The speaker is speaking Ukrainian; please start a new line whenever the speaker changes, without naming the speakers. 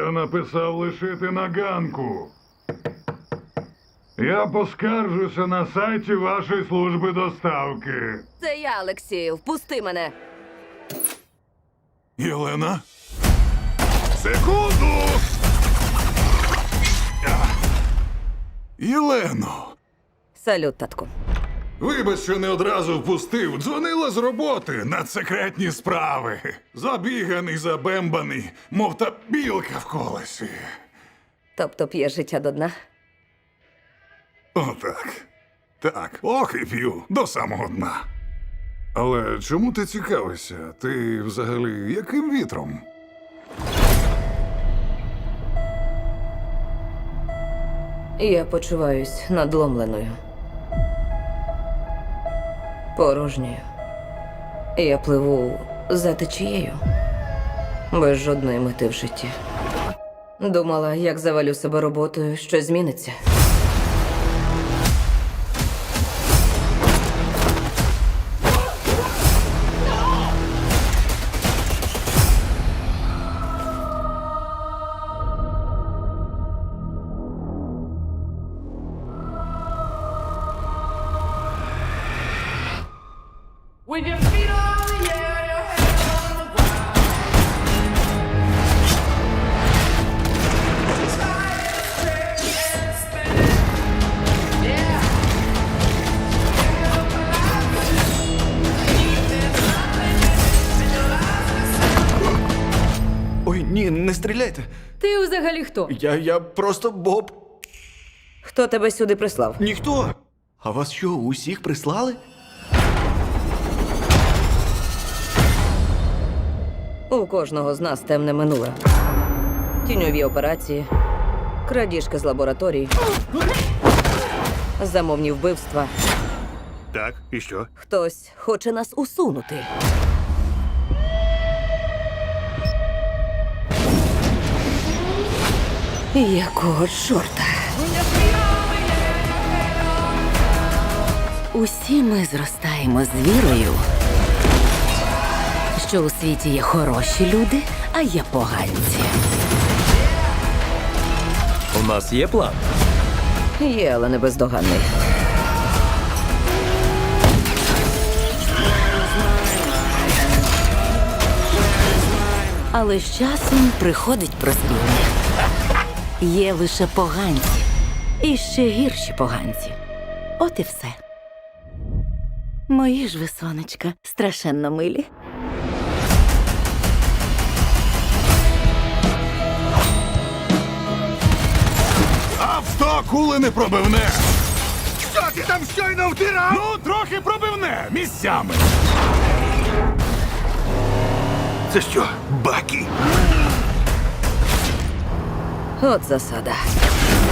Я написав лишити на ганку. Я поскаржуся на сайті вашої служби доставки.
Це я, Олексію. Впусти мене.
Єлена? Секунду! Єлено!
Салют, татку.
Вибач, що не одразу впустив. Дзвонила з роботи на секретні справи. Забіганий, забембаний, мов та білка в колесі.
Тобто п'є життя до дна?
Отак. Так, ох і п'ю до самого дна. Але чому ти цікавишся? Ти взагалі яким вітром?
Я почуваюсь надломленою. Порожньою. Я пливу за течією. Без жодної мети в житті. Думала, як завалю себе роботою, щось зміниться.
When your feet are on the air, your head on the ground. Try to stretch and spin. Yeah. There's nothing in your eyes.
Ой, ні, не стріляйте.
Ти взагалі хто?
Я просто Боб.
Хто тебе сюди прислав?
Ніхто. А вас що, усіх прислали?
У кожного з нас темне минуле. Тіньові операції, крадіжки з лабораторій, замовні вбивства.
Так, і що?
Хтось хоче нас усунути. Якого чорта?
Усі ми зростаємо з вірою, що у світі є хороші люди, а є поганці.
У нас є план.
Є, але не бездоганний.
Але з часом приходить прозріння. Є лише поганці. І ще гірші поганці. От і все. Мої ж ви, сонечка, страшенно милі.
А в 100 кули не пробивне!
Що ти там щойно втирав?
Ну, трохи пробивне місцями.
Це що, Бакі?
От засада.